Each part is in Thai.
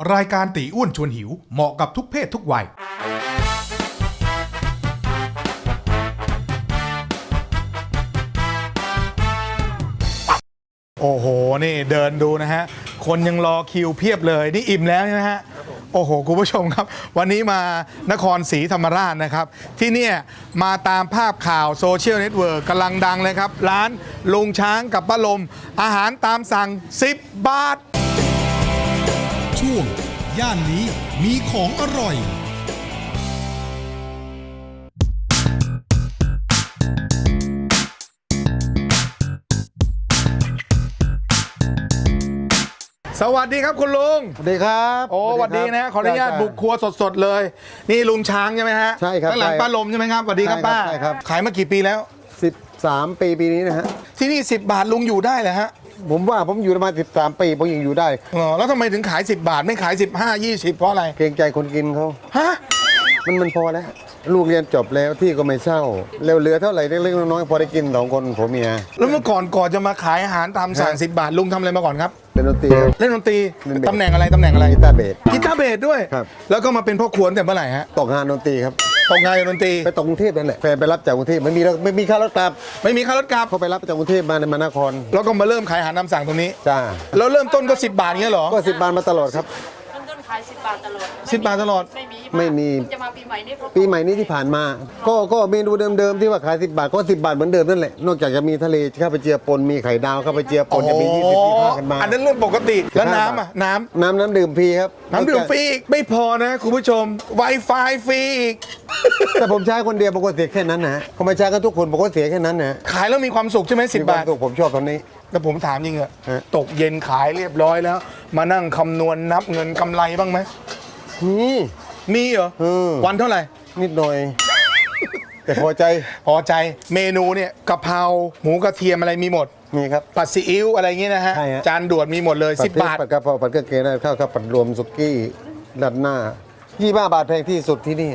รายการตีอ้วนชวนหิวเหมาะกับทุกเพศทุกวัยโอ้โหนี่เดินดูนะฮะคนยังรอคิวเพียบเลยนี่อิ่มแล้วนะฮะโอ้โหคุณผู้ชมครับวันนี้มานครศรีธรรมราชนะครับที่เนี่ยมาตามภาพข่าวโซเชียลเน็ตเวิร์กกำลังดังเลยครับร้านลุงช้างกับป้าลมอาหารตามสั่ง10 บาทช่วงย่านนี้มีของอร่อยสวัสดีครับคุณลุงสวัสดีครับโอ้สวัสดีนะขออนุญาตบุกครัวสดๆเลยนี่ลุงช้างใช่ไหมฮะใช่ครับข้างหลังป้าลมใช่ไหมครับสวัสดีครับป้าใช่ครับขายมากี่ปีแล้ว 13 ปีนี้นะฮะที่นี่10 บาทลุงอยู่ได้เหรอฮะผมว่าผมอยู่มา13 ปีผมยังอยู่ได้อ๋อแล้วทำไมถึงขาย10 บาทไม่ขาย15 20เพราะอะไรเกรงใจคนกินเขาฮะมันพอแล้วลูกเรียนจบแล้วที่ก็ไม่เศร้าเหลือเท่าไหร่เล็กๆน้อยๆพอได้กิน2 คนผัวเมียแล้วเมื่อก่อนจะมาขายอาหารตามสั่ง10 บาทลุงทำอะไรมาก่อนครับเล่นดนตรีเล่นดนตรี ตำแหน่งอะไรกีตาร์เบสด้วยครับแล้วก็มาเป็นพ่อครัวตั้งแต่เมื่อไหร่ฮะตกงานดนตรีครับตกงานดนตรีไปตกกรุงเทพนั่นแหละแฟนไปรับจากกรุงเทพไม่มีค่ารถกลับเขาไปรับจากกรุงเทพมานครแล้วก็มาเริ่มขายอาหารตามสั่งตรงนี้จ้าแล้วเริ่มต้นก็10 บาทเงี้ยเหรอก็10 บาทมาตลอดครับต้นขาย10 บาทตลอด 10 บาทตลอดไม่มีจะมาปีใหม่นี้ที่ผ่านมาก็เมนูเดิมๆที่ว่าขาย10 บาทก็10 บาทเหมือนเดิมนั่นแหละนอกจากจะมีทะเลข้าวไปเจียปนมีไข่ดาวข้าวไปเจียปนจะมี20-25กันมาอันนั้นเรื่องปกติแล้วน้ำอ่ะน้ำดื่มฟรีครับน้ำดื่มฟรีอีกไม่พอนะคุณผู้ชม Wi-Fi ฟรีอีกแต่ผมใช้คนเดียวผมก็เสียแค่นั้นนะผมไม่ใช้กันทุกคนผมก็เสียแค่นั้นนะขายแล้วมีความสุขใช่ไหม10 บาทผมชอบตอนนี้แต่ผมถามจริงอะตกเย็นขายเรียบร้อยแล้วมานั่งคำนวณนับเงินกำไรบ้างไหมมีเหรอวันเท่าไหร่นิดหน่อยแต่พอใจเมนูเนี่ยกะเพราหมูกระเทียมอะไรมีหมดมีครับผัดซีอิ๊วอะไรเงี้ยนะฮะจานด่วนมีหมดเลย10 บาทผัดกะเพราผัดกะเพราข้าวผัดรวมสุกี้ราดหน้า25 บาทแพงที่สุดที่นี่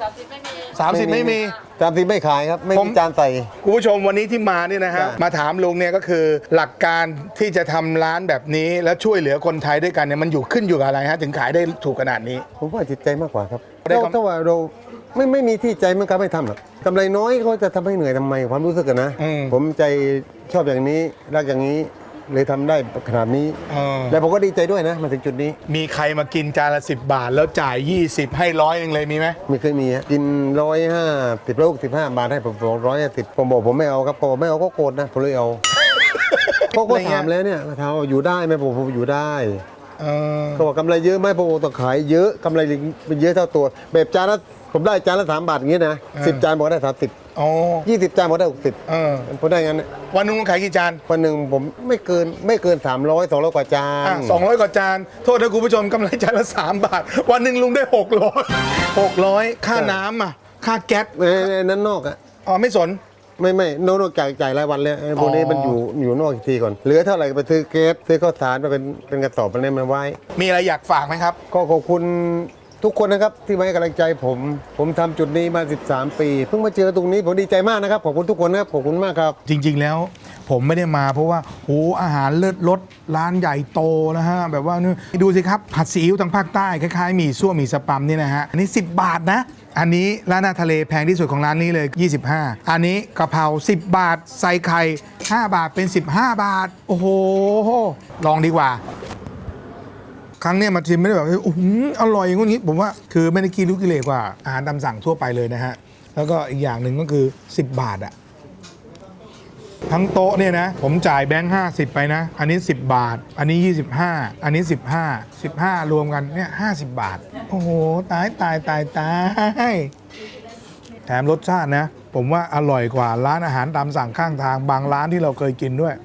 30ไม่มี 30ไม่ขายครับไม่มีจานใส่คุณผู้ชมวันนี้ที่มาเนี่ยนะฮะมาถามลุงเนี่ยก็คือหลักการที่จะทำร้านแบบนี้แล้วช่วยเหลือคนไทยด้วยกันเนี่ยมันขึ้นอยู่กับอะไรฮะถึงขายได้ถูกขนาดนี้ผมว่าจิตใจมากกว่าครับถ้าว่าเราไม่มีที่ใจมันก็ไม่ทำหรอกกำไรน้อยเขาจะทำให้เหนื่อยทำไมความรู้สึกกันนะผมใจชอบอย่างนี้รักอย่างนี้เลยทำได้ขนาดนี้แล้วผมก็ดีใจด้วยนะมาถึงจุดนี้มีใครมากินจานละ10 บาทแล้วจ่าย20ให้100นึงเลยมีไหมไม่เคยมีกิน150แล้ว15 บาทให้ผม150ผมบอกผมไม่เอาครับผมไม่เอาก็โกรธนะผมเลยเอาเขาก็ถามแล้วเนี่ยถามว่าอยู่ได้ไหมผมอยู่ได้เขาบอกกำไรเยอะไหมผมต้องขายเยอะกำไรเป็นเยอะเท่าตัวแบบจานละผมได้จานละ3 บาทอย่างนี้นะ10 จานบอกได้30 20 จานบอกได้60ผมได้งั้นวันนึงขายกี่จานวันหนึ่งผมไม่เกิน300 200กว่าจาน 200 กว่าจานโทษนะคุณผู้ชมกำไรจานละ3 บาทวันหนึ่งลุงได้600ค่าน้ำอ่ะค่าแก๊สนั้นนอกอ่ะไม่สนไม่นอกจ่ายรายวันเลยพวกนี้มันอยู่นอกอีกทีก่อนเหลือเท่าไหร่ไปซื้อแก๊สซื้อข้าวสารมาเป็นกระสอบมันไว้มีอะไรอยากฝากไหมครับก็ขอบคุณทุกคนนะครับที่ให้กำลังใจผมทำจุดนี้มา13 ปีเพิ่งมาเจอตรงนี้ผมดีใจมากนะครับขอบคุณทุกคนนะครับขอบคุณมากครับจริงๆแล้วผมไม่ได้มาเพราะว่าโอ้อาหารเลิศรสร้านใหญ่โตนะฮะแบบว่านี่ดูสิครับผัดซีอิ๊วทางภาคใต้คล้ายๆหมี่ซั่วหมี่สปัมนี่นะฮะอันนี้10 บาทนะอันนี้ร้านอาหารทะเลแพงที่สุดของร้านนี้เลย25อันนี้กะเพรา10 บาทใส่ไข่5 บาทเป็น15 บาทโอ้โหลองดีกว่าครั้งนี้มาชิมไม่ได้แบบอร่อยอย่างนี้ผมว่าคือไม่ได้กินลูกกิเลสกว่าอาหารตามสั่งทั่วไปเลยนะฮะแล้วก็อีกอย่างหนึ่งก็คือ10 บาทอะทั้งโต๊ะเนี่ยนะผมจ่ายแบงค์50ไปนะอันนี้10 บาทอันนี้25อันนี้15รวมกันเนี่ย50 บาทโอ้โหตายแถมรสชาตินะผมว่าอร่อยกว่าร้านอาหารตามสั่งข้างทางบางร้านที่เราเคยกินด้วย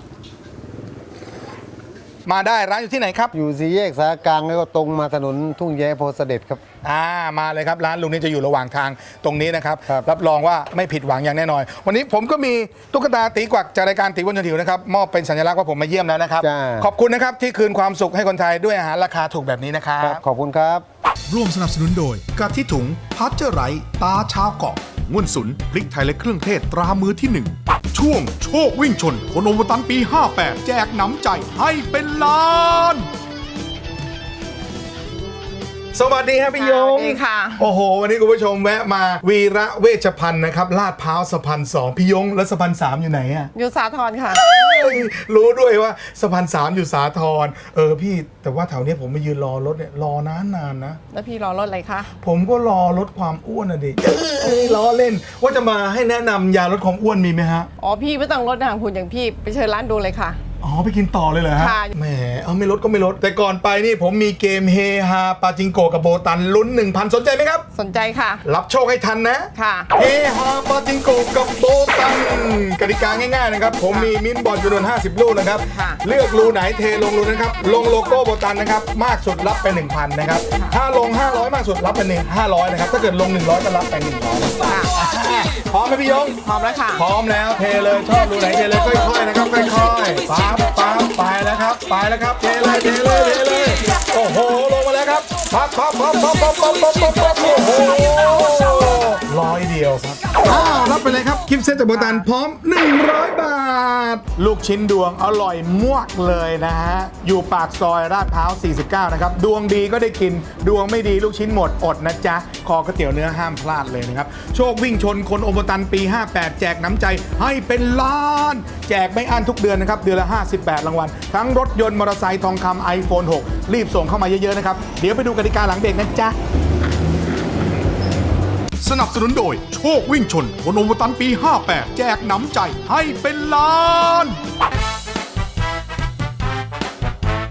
มาได้ร้านอยู่ที่ไหนครับอยู่สี่แยกสารกลางแล้วก็ตรงมาถนนทุ่งแย้โพเสด็จครับมาเลยครับร้านลุงนี้จะอยู่ระหว่างทางตรงนี้นะครับรับรองว่าไม่ผิดหวังอย่างแน่นอนวันนี้ผมก็มีตุ๊กตาตีกวักจากรายการตีอ้วนชวนหิวนะครับมอบเป็นสัญลักษณ์ว่าผมมาเยี่ยมแล้วนะครับขอบคุณนะครับที่คืนความสุขให้คนไทยด้วยอาหารราคาถูกแบบนี้นะครับขอบคุณครับร่วมสนับสนุนโดยกะทิถุงพัชเจอร์ไรตาชาวเกาะง่วนสุนพริกไทยและเครื่องเทศตรามือที่1ช่วงโชควิ่งชนคนโอวตันปี58แจกหนำใจให้เป็นล้านสวัสดีครับพี่ยงสวัสดีค่ะโอ้โห วันนี้คุณผู้ชมแวะมาวีระเวชภัณฑ์นะครับลาดพร้าวสะพาน2พี่ยงแล้วสะพาน3อยู่ไหนอะอยู่สาทรค่ะรู้ด้วยว่าสะพาน3อยู่สาทรพี่แต่ว่าแถวเนี้ยผมมายืนรอรถเนี่ยรอนานนะแล้วพี่รอรถอะไรคะผมก็รอลดความอ้วนอ่ะดิล้อเล่นว่าจะมาให้แนะนำยาลดความอ้วนมีไหมฮะอ๋อพี่ไม่ต้องรถนะคุณอย่างพี่ไปเชิญร้านดูเลยค่ะอ๋อไปกินต่อเลยเหรอฮะค่ะแหมไม่ลดก็ไม่ลด แต่ก่อนไปนี่ผมมีเกมเฮฮาปาจิงโกะกับโบตันลุ้น 1,000 สนใจไหมครับสนใจค่ะรับโชคให้ทันนะค่ะเฮฮาปาจิงโกะกับโบตันกติกาง่ายๆนะครับ ผมมีมิ้นท์บอลจำนวน50 ลูกนะครับค่ะเลือกรูไหนเทลงรูนั้นครับ ลงโลโก้โบตันนะครับ มากสุดรับไป 1,000 นะครับ ถ้าลง 500 มากสุดรับไป500 นะครับ ถ้าเกิดลง 100 ก็รับไป 100 ค่ะพร้อมไหมพี่ยงพร้อมแล้วค่ะพร้อมแล้วเทเลยชอบรูไหนเทเลยค่อยๆนะครับค่อยๆปั๊บปั๊บไปแล้วครับไปแล้วครับเทเลยเทเลยเทเลยโอ้โหลงมาแล้วครับปั๊บปั๊บปั๊บปั๊บปั๊บปั๊บปั๊บปั๊บปั๊บโอ้โห100 เดียวครับรับไปเลยครับคลิปเซ็ตจากโบตันพร้อม100 บาท ลูกชิ้นดวงอร่อยมวกเลยนะฮะอยู่ปากซอยลาดพร้าว49นะครับดวงดีก็ได้กินดวงไม่ดีลูกชิ้นหมดอดนะจ๊ะคอก๋วยเตี๋ยวเนื้อห้ามพลาดเลยนะครับโชควิ่งชนคนโอโบตันปี 58 แจกน้ำใจให้เป็นล้าน แจกไม่อั้นทุกเดือนนะครับเดือนละ58 รางวัลทั้งรถยนต์มอเตอร์ไซค์ทองคำ iPhone 6 รีบส่งเข้ามาเยอะๆนะครับเดี๋ยวไปดูกติกาหลังเบรกนะจ๊ะสนับสนุนโดยโชควิ่งชนคนโอโบตันปี 58 แจกน้ำใจให้เป็นล้าน